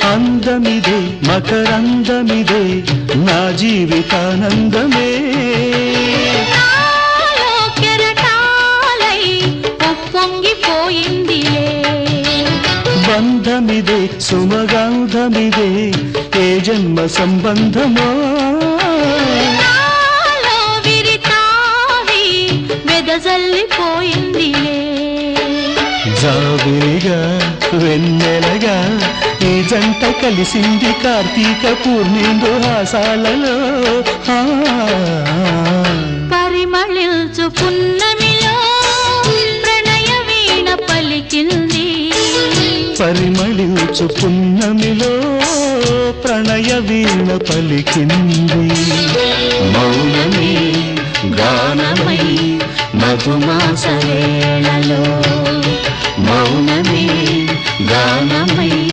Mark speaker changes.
Speaker 1: అందమిదే మకరందమిదే నా జీవితానందమే
Speaker 2: కెరటాలై పొంగిపోయిందిలే
Speaker 1: బంధమిదే సుమగంధమిదే ఏ జన్మ సంబంధమో
Speaker 2: విరితావి వెదజల్లిపోయిందిలే
Speaker 1: జాబిలిగా వెన్నెలగా ఈ జంట కలిసింది కార్తీక పూర్ణిందు హాసాలలో
Speaker 2: పరిమళించు పున్నమిలో ప్రణయ వీణ పలికింది
Speaker 1: పరిమళించు పున్నమిలో ప్రణయ వీణ పలికింది మౌనమే గానమై మధుమాస వేళలో మౌనమే గానమై